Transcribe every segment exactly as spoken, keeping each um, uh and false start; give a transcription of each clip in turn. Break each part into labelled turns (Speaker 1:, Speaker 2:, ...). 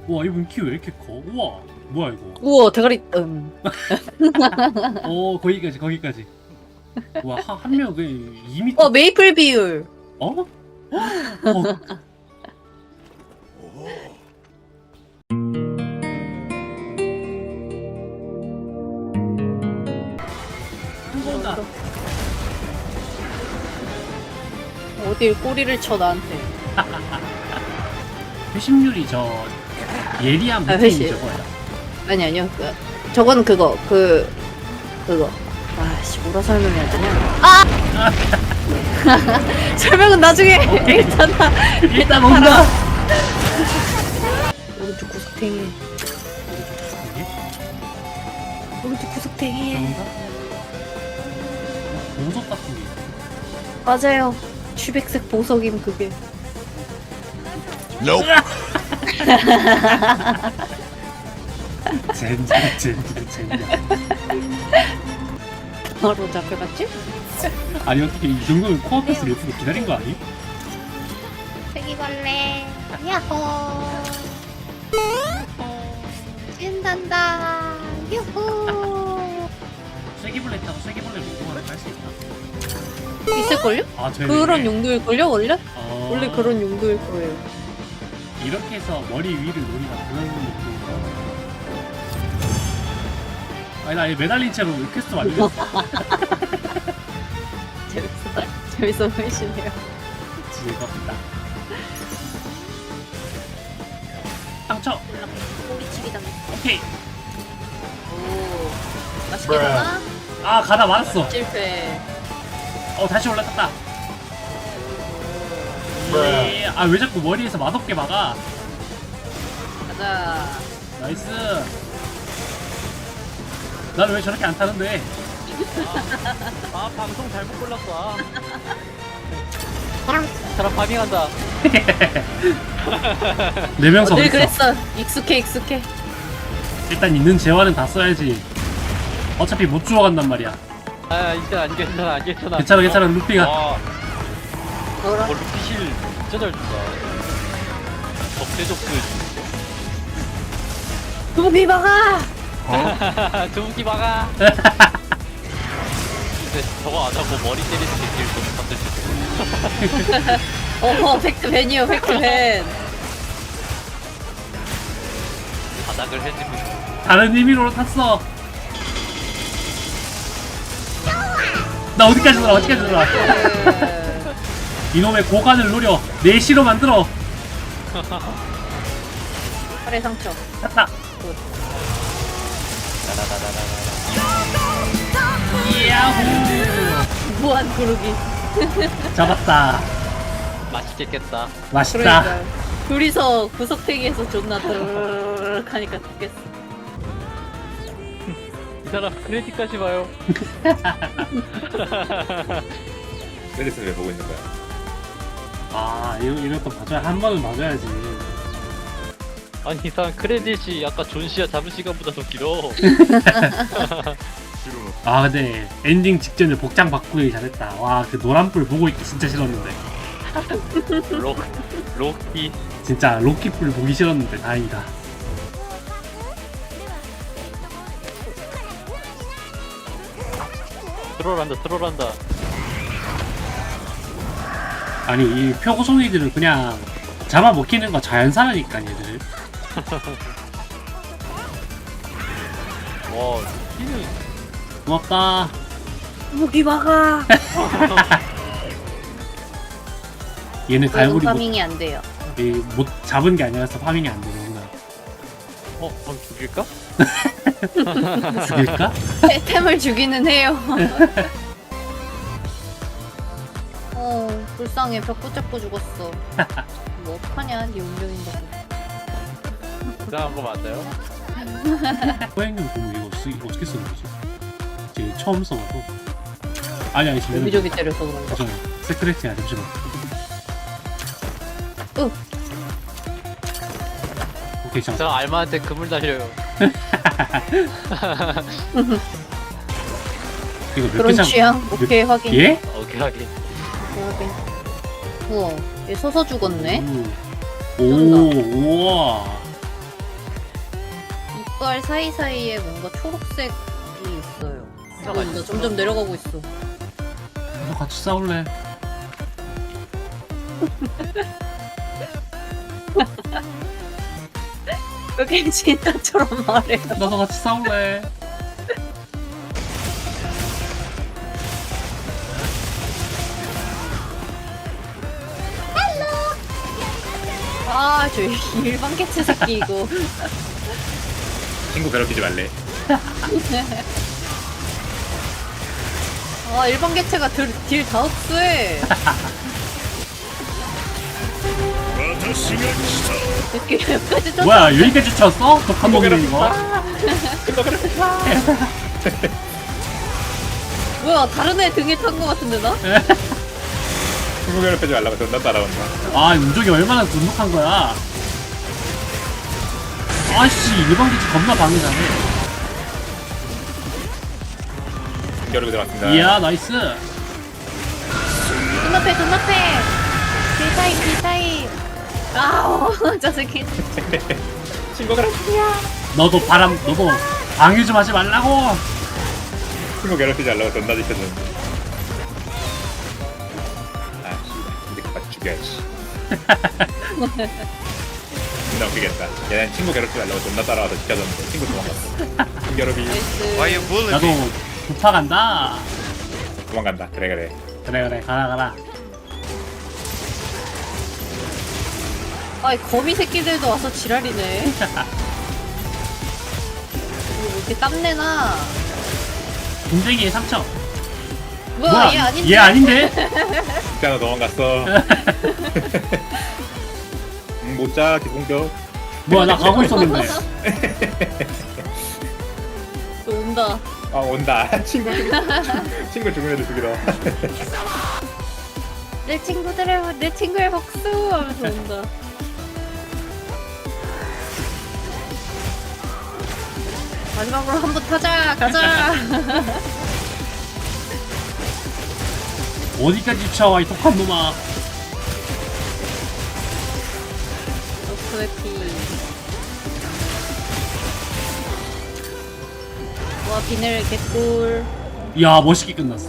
Speaker 1: 와 이분 키 왜 이렇게 커? 우와 뭐야 이거?
Speaker 2: 우와 대가리 음.
Speaker 1: 어 거기까지 거기까지. 와한 명 그 이 미터.
Speaker 2: 어 메이플 비율.
Speaker 1: 어? 어? 한번다.
Speaker 2: 어딜 꼬리를 쳐 나한테.
Speaker 1: 회심률이 저 예리한
Speaker 2: 아,
Speaker 1: 무팀이
Speaker 2: 회심.
Speaker 1: 저거야.
Speaker 2: 아니 아니요. 그, 저건 그거 그 그거. 아씨 뭐라 설명해야 되냐? 아! 설명은 나중에. 일단 나
Speaker 1: 일단 온다.
Speaker 2: 오른쪽 구석탱이.
Speaker 1: 이게
Speaker 2: 오른쪽 구석탱이.
Speaker 1: 그런가? 보석 같은 게 있어.
Speaker 2: 맞아요. 취백색 보석임 그게.
Speaker 1: 젠장 젠장 젠장.
Speaker 2: 바로 잡혀갔지?
Speaker 1: 아니 어떻게 이 정도면 코앞에서 레프도 기다린 거 아니?
Speaker 3: 세기벌레 야호 신난다 유후
Speaker 1: 쐐기벌레 타고 쐐기벌레 운동하는 할수 있나?
Speaker 2: 있을걸요?
Speaker 1: 아 저희
Speaker 2: 그런 용도일걸요 원래?
Speaker 1: 어...
Speaker 2: 원래 그런 용도일 거예요.
Speaker 1: 이렇게 해서 머리 위를 노리가 그런 느낌인가? 아니 나 매달린 채로 퀘스트 완료했어.
Speaker 2: 재밌어. 재밌어 보이시네요.
Speaker 1: 즐겁다. 당첨!
Speaker 3: 꼬리치기 당했어
Speaker 1: 오케이!
Speaker 2: 오 맛있게 되나?
Speaker 1: 아 가다 맞았어.
Speaker 2: 실패.
Speaker 1: 어 다시 올라탔다. 예. 아왜 자꾸 머리에서 맛없게 막아?
Speaker 2: 가자.
Speaker 1: 나이스. 난 왜 저렇게 안 타는데?
Speaker 4: 아 방송 잘못 골랐어. 사람 파밍한다.
Speaker 1: 네 명서
Speaker 2: 어, 늘
Speaker 1: 어딨어?
Speaker 2: 그랬어. 익숙해 익숙해.
Speaker 1: 일단 있는 재화는 다 써야지. 어차피 못 주워간단 말이야.
Speaker 4: 아 일단 안 괜찮아 안 괜찮아.
Speaker 1: 괜찮아 괜찮아 루피가.
Speaker 4: 와,
Speaker 2: 뭐라?
Speaker 4: 어, 루피실 진짜 잘 준다. 적대적들.
Speaker 2: 두비 막아.
Speaker 4: 두부기 막아. 근데 저거 안 하고 머리 때리는 게 제일 좋은 컨텐츠.
Speaker 2: 어허 팩트 벤이요 팩트 벤.
Speaker 4: 바닥을 해지고.
Speaker 1: 다른 의미로 탔어. 나 어디까지 돌아 어디까지 돌아.
Speaker 2: 그...
Speaker 1: 이놈의 고관을 노려 내 시로 만들어.
Speaker 2: 팔의 상처.
Speaker 1: 탔다. 야호.
Speaker 2: 무한 구르기.
Speaker 1: 잡았다.
Speaker 4: 맛있겠겠다.
Speaker 1: 맛있다.
Speaker 2: 그러니까 둘이서 구석탱이에서 존나 드르륵 하니까 죽겠어.
Speaker 4: 이 사람 크레딧까지 봐요.
Speaker 5: 크레딧을 왜 보고 있는 거야?
Speaker 1: 아 이런 이런 거 봐줘야 한 번은 봐줘야지.
Speaker 4: 아니 이 사람 크레딧이 아까 존시아 잡은 시간보다 더 길어.
Speaker 1: 아 근데 엔딩 직전에 복장 바꾸기 잘했다. 와 그 노란불 보고 있기 진짜 싫었는데.
Speaker 4: 로 로키.
Speaker 1: 진짜 로키불 보기 싫었는데 다행이다.
Speaker 4: 트롤한다 트롤한다.
Speaker 1: 아니 이 표고송이들은 그냥 잡아먹히는 거 자연사라니까 얘들.
Speaker 4: 와 루키는
Speaker 1: 고맙다.
Speaker 2: 무기 막아.
Speaker 1: 얘는 갈고리 못,
Speaker 2: 파밍이 안 돼요.
Speaker 1: 이, 못 잡은 게 아니라서 파밍이 안 되는구나.
Speaker 4: 어 그럼 죽일까?
Speaker 1: 죽일까?
Speaker 2: 태- 템을 주기는 해요. 어 불쌍해 벽 붙잡고 죽었어. 뭐 어떡하냐 네 운명인데.
Speaker 4: 이상한 거 맞아요?
Speaker 1: 호행님 보면 이거, 쓰, 이거 어떻게 쓰는 거지? 지금 처음 써봐서. 아니 아니 지금
Speaker 2: 여기저기 때려서 그런가.
Speaker 1: 잠시만 세크레트야 잠시만.
Speaker 2: 으.
Speaker 1: 오케이 잠깐.
Speaker 4: 저 알마한테 그물 날려요.
Speaker 1: 이거 몇
Speaker 2: 그런
Speaker 1: 개장?
Speaker 2: 취향? 오케이 확인.
Speaker 1: 예?
Speaker 4: 오케이 하긴.
Speaker 2: 오케이, 확인. 우와 얘 서서 죽었네.
Speaker 1: 오, 오 우와.
Speaker 2: 빛깔 사이사이에 뭔가 초록색이 있어요.
Speaker 4: 숫자가
Speaker 2: 어, 나
Speaker 4: 있어.
Speaker 2: 점점 내려가고 있어.
Speaker 1: 나도 같이 싸울래.
Speaker 2: 그게 진짜처럼 말해.
Speaker 1: 나도 같이 싸울래.
Speaker 2: 아, 저 일반 개체 새끼 이거.
Speaker 5: 친구 괴롭히지 말래.
Speaker 2: 아, 일반 개체가 딜다 흡수해. 이렇게 여기까지 쫓아.
Speaker 1: 뭐야 여기까지 쳤어? 독한 놈이네 이거.
Speaker 5: 친구 괴롭히지 마.
Speaker 2: 뭐야, 다른 애 등에 탄 거 같은데 나?
Speaker 5: 친구 괴롭히지 말라고 존나 따라온다.
Speaker 1: 아 운종이 얼마나 둔독한 거야. 아씨 일반 기지 겁나 방해자네.
Speaker 5: 겨루고 들어갔습니다.
Speaker 1: 이야 나이스.
Speaker 2: 눈앞에, 눈앞에. 딜타임, 딜타임. 아우, 저 새끼.
Speaker 5: 친구 괴롭히지 마.
Speaker 1: 너도 바람 너도 방해 좀 하지 말라고.
Speaker 5: 친구 괴롭히지 말라고 존나 지켜줬는데. 아 씨, 이제 그만 죽여야지. 존나 웃기겠다. 얘는 친구 괴롭히지 말라고 존나 따라와서 지켜줬는데 친구 도망갔어. 친구 괴롭히
Speaker 2: 나이스.
Speaker 6: Why you bullying
Speaker 1: 나도
Speaker 6: me?
Speaker 1: 부파 간다.
Speaker 5: 도망간다. 그래 그래.
Speaker 1: 그래 그래 가라 가라.
Speaker 2: 아이, 거미 새끼들도 와서 지랄이네. 이거 왜 이렇게 땀내나?
Speaker 1: 분쟁이의 상처.
Speaker 2: 뭐야, 얘 아닌데?
Speaker 1: 얘 아닌데?
Speaker 5: 진짜 너 도망갔어. 음, 못자 기공격.
Speaker 1: 뭐야 나 가고 있었는데.
Speaker 2: 또 온다.
Speaker 5: 아 온다. 친구 죽- 친구 죽은 애들 죽이러.
Speaker 2: 내 친구들의, 내 친구의 복수! 하면서 온다. 마지막으로 한 번 타자! 가자!
Speaker 1: 어디까지 쳐 이 독한 놈아.
Speaker 2: 노스웨피. 와, 비늘 개꿀.
Speaker 1: 이야 멋있게 끝났어.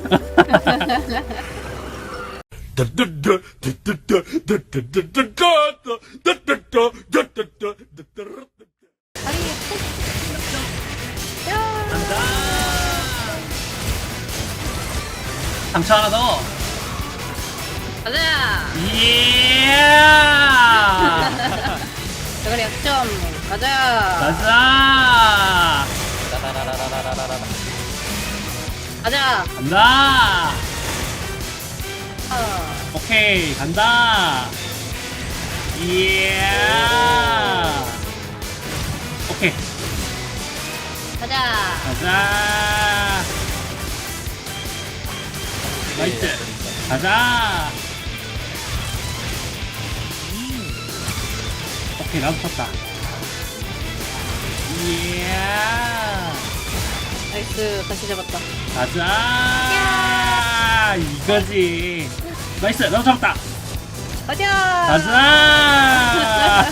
Speaker 2: 아니, 야!
Speaker 1: 간다. 상처 하나 더.
Speaker 2: 가자!
Speaker 1: 이야.
Speaker 2: 저거리 약점. 가자!
Speaker 1: 가자.
Speaker 4: 라라라라라라라라.
Speaker 2: 가자!
Speaker 1: 간다.
Speaker 2: 아,
Speaker 1: 오케이 간다. 이야. 오케이
Speaker 2: 가자!
Speaker 1: 가자. 나이스. 가자. 오케이 나도 쳤다. 이야.
Speaker 2: 나이스, 다시 잡았다.
Speaker 1: 가자. 이거지. 나이스 나도 잡았다.
Speaker 2: 가자!
Speaker 1: 가자.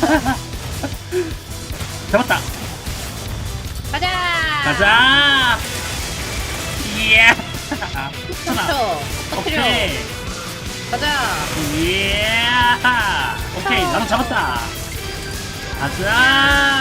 Speaker 1: 잡았다.
Speaker 2: 가자!
Speaker 1: 가자. 이야. 하나.
Speaker 2: 쳐! 터뜨려!
Speaker 1: 오케이.
Speaker 2: 가자!
Speaker 1: 이야. 오케이 나도 잡았다. 가자.